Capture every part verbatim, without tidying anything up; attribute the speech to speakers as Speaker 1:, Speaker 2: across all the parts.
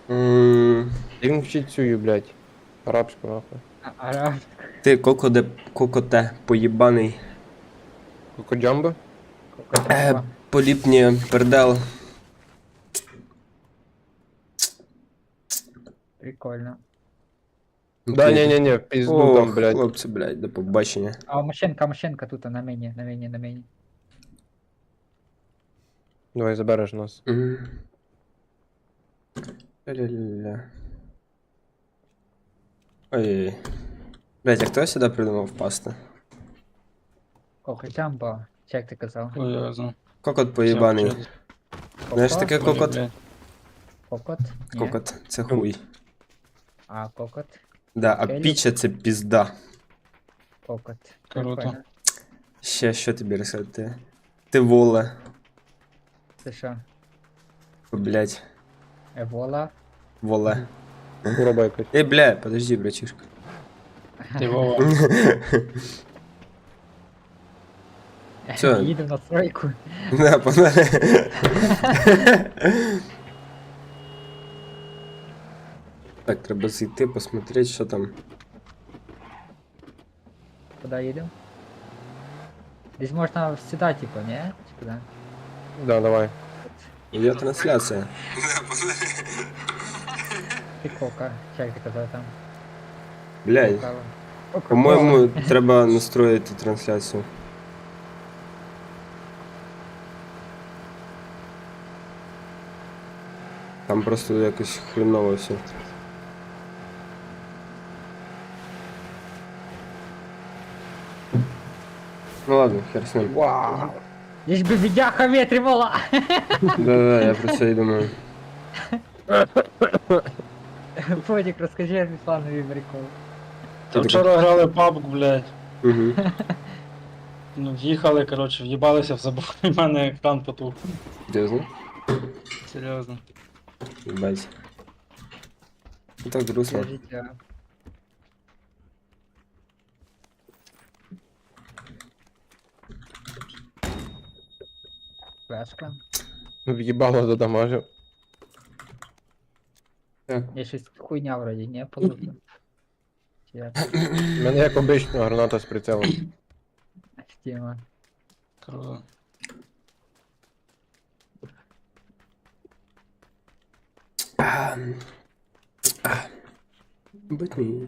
Speaker 1: М,
Speaker 2: Він вчить цю, блядь. Арабську, нахуй.
Speaker 3: А, араб.
Speaker 1: Ти кокоде, кокоте, поїбаний.
Speaker 2: Кокоджамбо?
Speaker 1: Е,
Speaker 3: Кокоджамба.
Speaker 1: поліпні пердел.
Speaker 3: Прикольно.
Speaker 2: Да, не-не-не, в пизду там,
Speaker 1: Ох,
Speaker 2: блядь.
Speaker 1: хлопці, блядь, до побачення.
Speaker 3: А Машенка, Машенка тут на мені, на мені, на мені.
Speaker 2: Давай забереш нас.
Speaker 1: М. Ля-ля-ля-ля. Ой. Блядь, а хто сюди придумав впасти?
Speaker 3: Кокоджамба. Чи як ти казав?
Speaker 4: Ой, я знаю.
Speaker 1: Кокот поїбаний.
Speaker 4: Все,
Speaker 1: Знаєш
Speaker 3: Кокот?
Speaker 1: таке кокот?
Speaker 4: блядь.
Speaker 3: Кокот? Ні.
Speaker 1: Кокот, це хуй.
Speaker 3: А, кокот.
Speaker 1: Да, а
Speaker 3: Келю.
Speaker 1: піча це пізда.
Speaker 3: Кокот.
Speaker 4: Круто.
Speaker 3: Прикольно.
Speaker 1: Ще що тобі розказати? Ти воле.
Speaker 3: Це що?
Speaker 1: Блядь,
Speaker 3: Евола?
Speaker 1: воле.
Speaker 2: Уроба якась.
Speaker 1: Эй, бля, подожди, братишка.
Speaker 4: Ти Вова.
Speaker 1: Всё.
Speaker 3: Їдемо на стройку.
Speaker 1: Да, погнали. Так, треба зайти, посмотреть, що там.
Speaker 3: Куди їдемо? Десь можна сюди, типу, ні? Чи куди?
Speaker 2: Да, давай.
Speaker 1: Є трансляція.
Speaker 3: Ти кока. Чи як ти казав там?
Speaker 1: Блядь,
Speaker 3: Кока. Кока-кола.
Speaker 1: по-моєму, треба настроїти трансляцію. Там просто якось хреново все. Ну ладно, хер с ним.
Speaker 2: Вау.
Speaker 3: Лиш би відяха витримала!
Speaker 1: Да-да, я про це і думаю.
Speaker 3: Фодік, розкажи Русланові прикол.
Speaker 4: Та вчора грали пабг, блядь.
Speaker 1: Угу.
Speaker 4: Ну, в'їхали, коротше, в'їбалися в забор, і в мене екран потух.
Speaker 1: Серйозно?
Speaker 4: Серйозно.
Speaker 1: Ебать. Ну так грустно.
Speaker 3: Це життя. Флешка.
Speaker 2: В'їбало задамажив.
Speaker 1: Так.
Speaker 3: Я щось хуйня вроді, не полудно. Чи як?
Speaker 2: У мене як обично граната з прицелом.
Speaker 3: Тема.
Speaker 4: Круто.
Speaker 1: Быть не.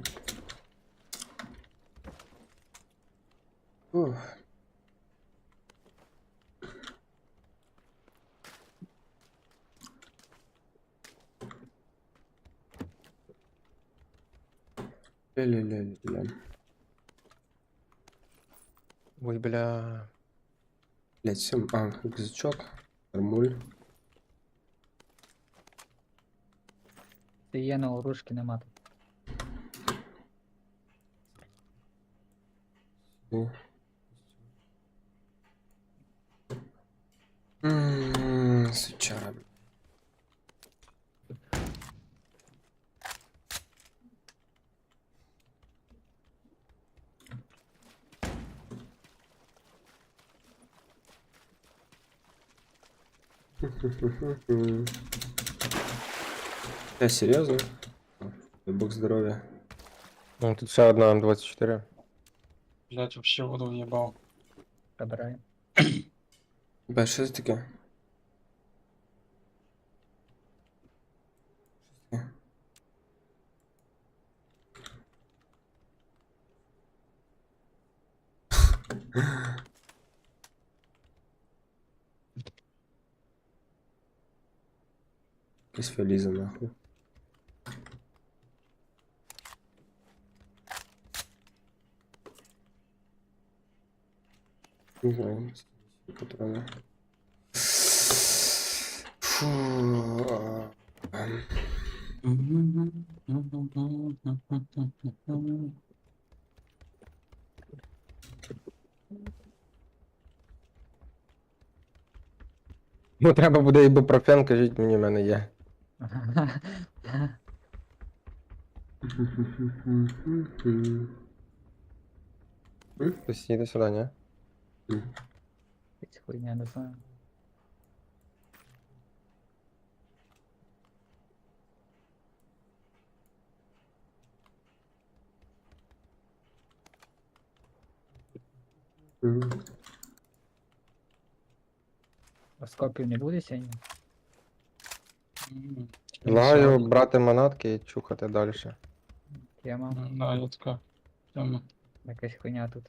Speaker 1: Ох. Ля-ля-ля-ля.
Speaker 2: Ой, бля.
Speaker 1: Блять, все. А, рюкзачок. Нормуль.
Speaker 3: Це є на оружки нема тут.
Speaker 1: Ммм, сучара. Я серьезно? Бог здоровья.
Speaker 2: Ну, тут ще одна М двадцять чотири.
Speaker 4: Блядь, вообще воду в'їбав.
Speaker 3: Забираю.
Speaker 1: Бля, що це таке? Якась фаліза, нахуй. Не знаю, патроны. Фу.
Speaker 2: Ну треба буде ібупрофен, кажіть мені, в мене є. Хтось їде сюди, ні?
Speaker 3: Якась хуйня, не знаю.
Speaker 1: Мгм.
Speaker 3: Оскопів не буде сьогодні?
Speaker 4: М,
Speaker 2: Лагаю
Speaker 4: сьогодні.
Speaker 2: брати манатки і чухати далі.
Speaker 3: Тема.
Speaker 4: Ну, да, я така. Тема.
Speaker 3: Якась хуйня тут.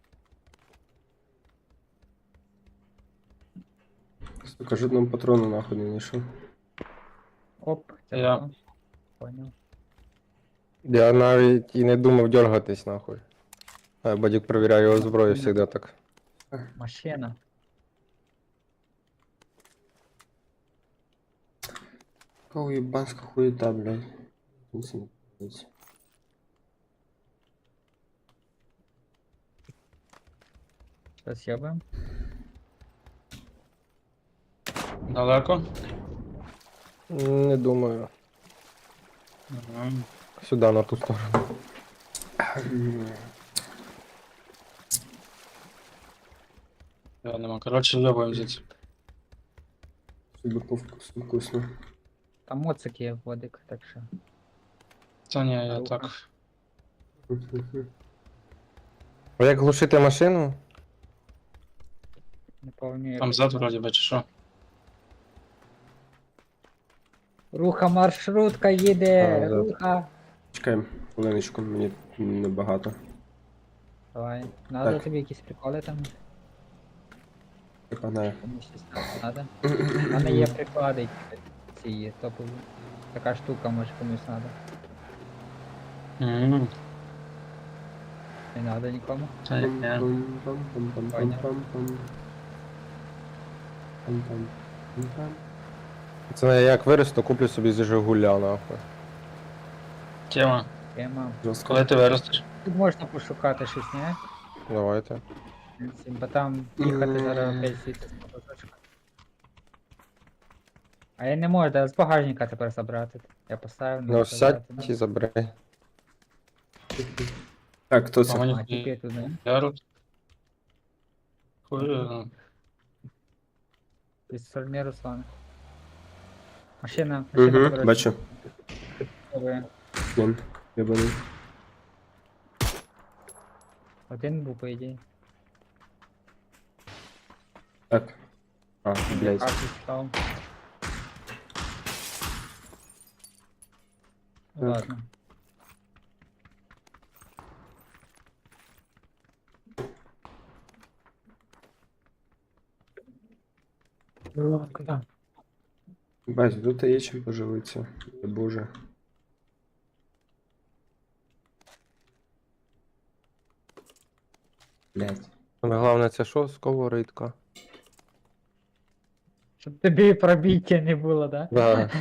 Speaker 1: Сука, жодного патрону нахуй не знайшов.
Speaker 3: Оп, це
Speaker 4: Я.
Speaker 3: хто? Поняв.
Speaker 2: Я навіть і не думав дергатись нахуй. А Бадюк перевіряє його зброю завжди так.
Speaker 3: Машина.
Speaker 1: Какая уебанская хуета, блядь. Ничего не понимаете.
Speaker 3: Щось ябаємо.
Speaker 4: Далеко?
Speaker 2: Не думаю.
Speaker 4: Мгм.
Speaker 2: Сюди, на ту сторону.
Speaker 4: Я нема. Коротше, йобаємо звідси.
Speaker 1: Чтобы по вкусу вкусно.
Speaker 3: Там моцик є водик, так що.
Speaker 4: Та ні, я
Speaker 3: Рука.
Speaker 4: так.
Speaker 2: А як глушити машину?
Speaker 3: Не пам'ятаю.
Speaker 4: Там зад вроді би, чи що?
Speaker 3: Руха, маршрутка їде!
Speaker 2: А, да.
Speaker 3: Руха!
Speaker 1: Чекаємо хвилиночку, мені небагато.
Speaker 3: Давай. Надо
Speaker 1: Так.
Speaker 3: тобі якісь приколи там?
Speaker 1: Погнали.
Speaker 3: Комусь щось надо? У мене є приклади, типу, ці є топові. Така штука, може комусь надо.
Speaker 4: Мгм.
Speaker 3: Не надо нікому.
Speaker 4: Та ні.
Speaker 2: Це я як виросту, куплю собі з Жигуля нахуй.
Speaker 4: Тема.
Speaker 3: Тема.
Speaker 1: Жорстко.
Speaker 4: Коли ти виростеш?
Speaker 3: Тут можна пошукати щось, не?
Speaker 2: Давайте.
Speaker 3: Бо там їхати зараз опять світить мотоцикл. А я не можу, да, з багажника тепер забрати. Я поставив, не
Speaker 2: Ну
Speaker 3: забрати.
Speaker 2: сядь і забери.
Speaker 1: Так, хто
Speaker 4: А
Speaker 1: це?
Speaker 4: мені
Speaker 3: А, тільки тут, не?
Speaker 4: ярус. Хуй, ну,
Speaker 3: Від сторони Руслана. Машина, машина.
Speaker 1: Угу,
Speaker 3: поворачує.
Speaker 1: бачу.
Speaker 3: Добре.
Speaker 1: Блін, єбаний.
Speaker 3: Один був, по ідеї.
Speaker 1: Так. А, блядь.
Speaker 3: Карту став. Ну,
Speaker 1: Так.
Speaker 3: ладно.
Speaker 1: Бать, тут є чим поживитися. О, Боже. Блядь.
Speaker 2: Саме головне це що? Сковоридка.
Speaker 3: Щоб тобі пробіття не було, да?
Speaker 2: Да.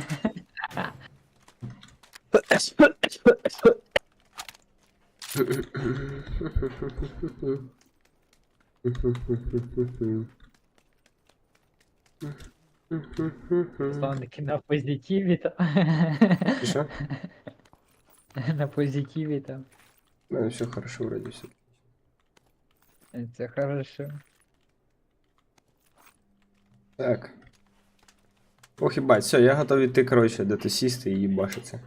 Speaker 3: Руслан таки на позитиві там.
Speaker 1: Ти що?
Speaker 3: На позитиві там.
Speaker 1: У мене все хорошо вроді все.
Speaker 3: Це хорошо.
Speaker 1: Так. Ох, їбать, все, я готовий йти, коротше, де-то сісти і їбашиться.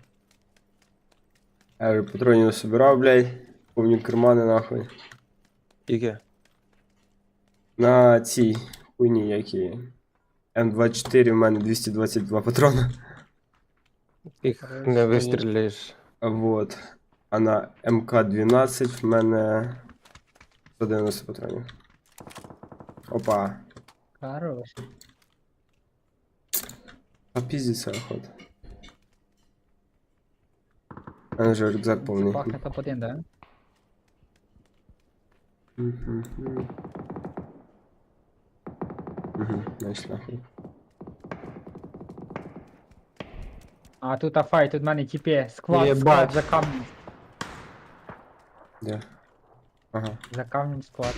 Speaker 1: Я вже патронів насобирав, блядь. Повні кармани, нахуй.
Speaker 2: Іке?
Speaker 1: На цій хуйні, які. М двадцять чотири в мене двісті двадцять два патрона.
Speaker 2: Їх не вистріляєш.
Speaker 1: Вот. А на М К дванадцять в мене сто дев'яносто патронів. Опа.
Speaker 3: Хорош.
Speaker 1: А пиздиться охота. У мене вже рюкзак повний.
Speaker 3: Це пахне топ один, да?
Speaker 1: Угу. Угу, знаєш, нахуй.
Speaker 3: А тут афай, тут в мене тіпе. Сквад,
Speaker 2: Єбать.
Speaker 3: склад за камнем.
Speaker 1: Де? Ага.
Speaker 3: За камнем склад.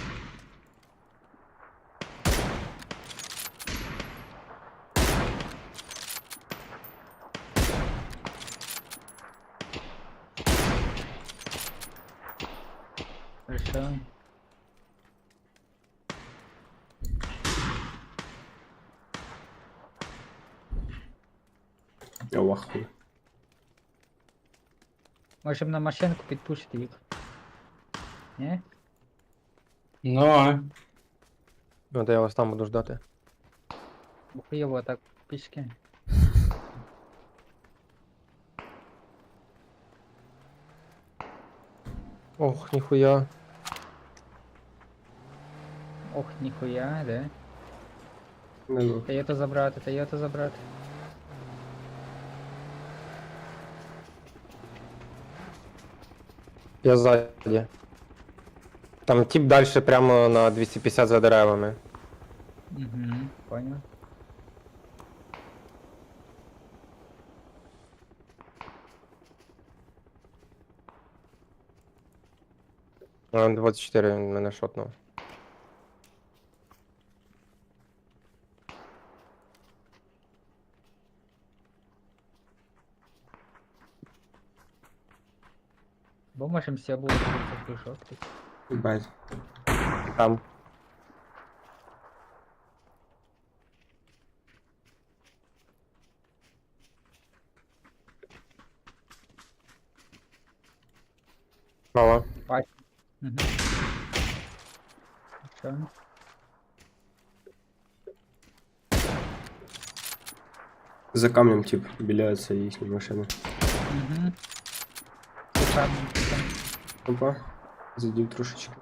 Speaker 3: Хорошо.
Speaker 1: Я в ахуї.
Speaker 3: Можемо на машинку підпушити їх. Ні?
Speaker 4: Ну, а?
Speaker 2: Ну, то я вас там буду ждати.
Speaker 3: Хуєво так пішки.
Speaker 2: Ох, ніхуя.
Speaker 3: Ох, ніхуя, де?
Speaker 1: Не був.
Speaker 3: Та є то забрати, та є то забрати.
Speaker 2: Я ззаді. Там тип далі прямо на двісті п'ятдесят за деревами.
Speaker 3: Угу, понял.
Speaker 2: А, двадцять чотири він мене шотнув.
Speaker 3: Бо можемо всі було прийшов.
Speaker 1: Їбать.
Speaker 2: Там. Права.
Speaker 3: Бачу. Угу. Що?
Speaker 1: За камнем, тип, біляється їхня машина.
Speaker 3: Угу. Шикарно.
Speaker 1: Опа. Задів трошечки.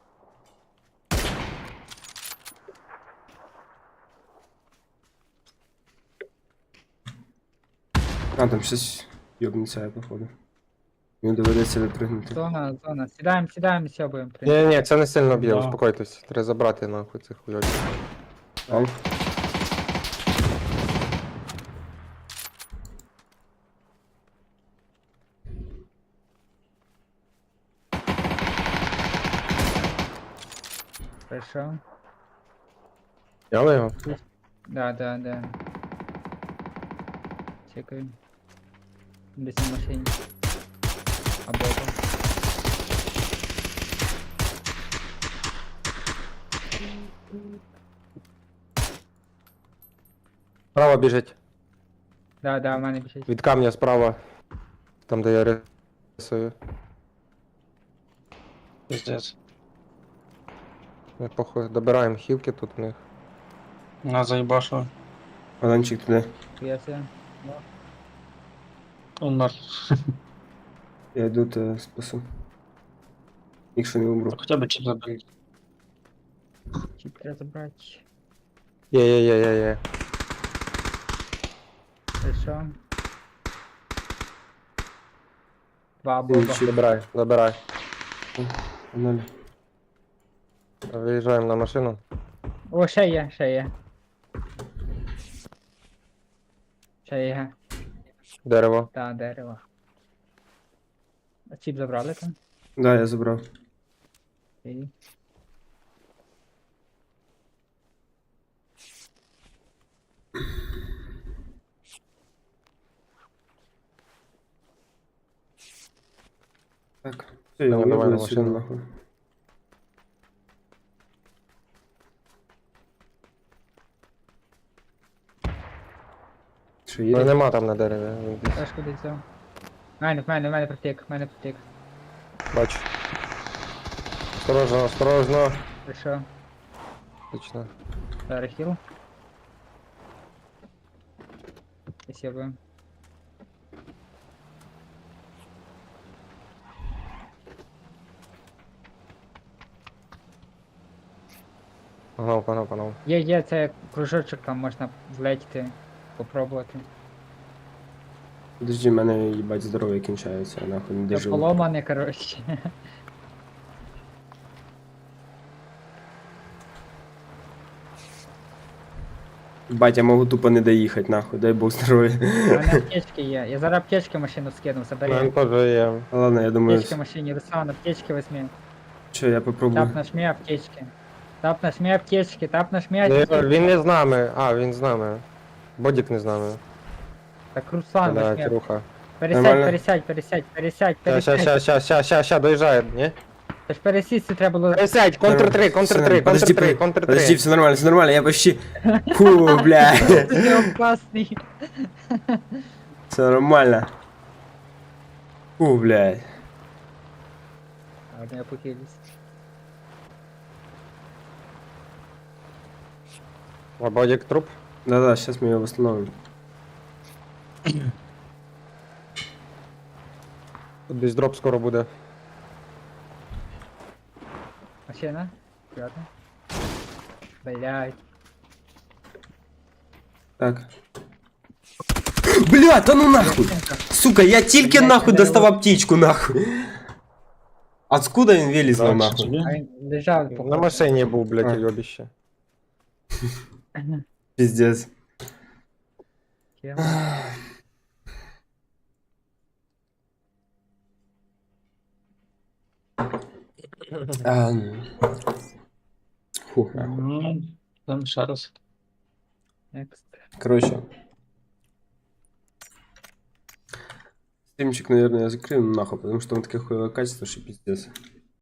Speaker 1: А, там щось йобнеться, я походу. Мені доведеться випригнути.
Speaker 3: Зона, зона. Сідаємо, сідаємо, сьобуємо.
Speaker 2: Ні, ні, це не сильно б'є,
Speaker 4: Да.
Speaker 2: успокойтесь. Треба забрати нахуй цих хуйочок.
Speaker 1: Ау.
Speaker 3: Прийшов.
Speaker 2: Яли його?
Speaker 3: Да, да, да. Чекаю. Десь на машині. Або там.
Speaker 2: Справа біжить.
Speaker 3: Да, да, в мене біжить.
Speaker 2: Від камня справа. Там, де я рисую.
Speaker 4: Пиздец.
Speaker 2: Ми похуй, добираємо хілки тут у них.
Speaker 4: На заїбашу.
Speaker 1: Аланчик туди.
Speaker 3: Я все.
Speaker 4: Он мертв.
Speaker 1: Я йду те спасу. Якщо не умру.
Speaker 4: Хоча б чіп заберіть.
Speaker 3: Чи треба забрати?
Speaker 2: Є, є, є, є, є.
Speaker 3: Прийшов. Два боба.
Speaker 2: Забирай, забирай.
Speaker 1: Ноль.
Speaker 2: Виїжджаємо на машину.
Speaker 3: О, ще є, ще є. Ще є.
Speaker 2: Дерево.
Speaker 3: Та, дерево. А чіп забрали там?
Speaker 1: Да, я забрав.
Speaker 3: І...
Speaker 1: Так. Все, я
Speaker 2: Давай, давай
Speaker 1: уїбаю
Speaker 2: на
Speaker 1: сюди
Speaker 2: машину.
Speaker 1: нахуй. Що
Speaker 2: Ну
Speaker 1: є?
Speaker 2: нема там на дереві. Він десь.
Speaker 3: Теж куди взяв. В мене, в мене, в мене протік, в мене протік.
Speaker 2: Бачу. Осторожно, осторожно.
Speaker 3: Прийшов.
Speaker 2: Точно.
Speaker 3: Зараз хіл. Спасибо.
Speaker 2: Погнав, погнав, погнав.
Speaker 3: Є, є, це кружочок, там можна влетіти, попробувати.
Speaker 1: Подожди, в мене їбать здоров'я кінчається, я нахуй не
Speaker 3: Це
Speaker 1: дожив.
Speaker 3: поломане, коротше.
Speaker 1: Бать, я можу тупо не доїхати, нахуй, дай Бог здоров'я.
Speaker 3: У мене аптечки є. Я зараз аптечки в машину скину,
Speaker 2: Мене
Speaker 3: забери.
Speaker 2: теж є.
Speaker 1: Ладно, я думаю,
Speaker 3: Аптечки в машині, Руслан, аптечки возьми.
Speaker 1: що я попробую.
Speaker 3: Тап нажми аптечки. Тап нажми аптечки, тап нажми
Speaker 2: Ну,
Speaker 3: аптечки.
Speaker 2: Він не з нами. А, він з нами. Бодік не з нами.
Speaker 3: Так, Руслан,
Speaker 2: Да,
Speaker 3: нажми.
Speaker 2: Кируха.
Speaker 3: Пересядь,
Speaker 1: Нормально?
Speaker 3: пересядь, пересядь, пересядь,
Speaker 2: Ща, ща,
Speaker 3: пересядь.
Speaker 2: ща, ща, ща, ща, ща, доїжджає, ні?
Speaker 3: Це ж пересісти треба було.
Speaker 2: Пересядь, контр три, контр три,
Speaker 1: Подожди,
Speaker 2: контр три,
Speaker 1: подожди,
Speaker 2: контр
Speaker 1: Подожди,
Speaker 2: три.
Speaker 1: все нормально, все нормально, я почти... Фу, бля.
Speaker 3: Ти опасний.
Speaker 1: Все нормально. Фу, блядь.
Speaker 3: Ладно, я похилюсь.
Speaker 2: А Бодік труп?
Speaker 1: Да-да, сейчас мы ее восстановим.
Speaker 2: Тут десь дроп скоро буде.
Speaker 3: Машина? Аккуратно. Блядь.
Speaker 1: Так. Бля, та ну нахуй! Сука, я тільки
Speaker 3: Блядь,
Speaker 1: нахуй
Speaker 3: не
Speaker 1: достав
Speaker 3: дало.
Speaker 1: аптечку, нахуй. Откуда він вилізла
Speaker 4: Так,
Speaker 1: нахуй?
Speaker 4: собі.
Speaker 3: А він лежав
Speaker 2: На
Speaker 3: походу.
Speaker 2: машині був, блядь,
Speaker 1: А.
Speaker 2: уйобіще.
Speaker 1: Пиздец.
Speaker 3: Кем?
Speaker 1: А, ну. Фух, нахуй.
Speaker 4: Ну, там ще раз.
Speaker 3: Next.
Speaker 1: Короче. Стримчик, наверное, я закрою нахуй, потому что он такое хуевое качество, что пиздец.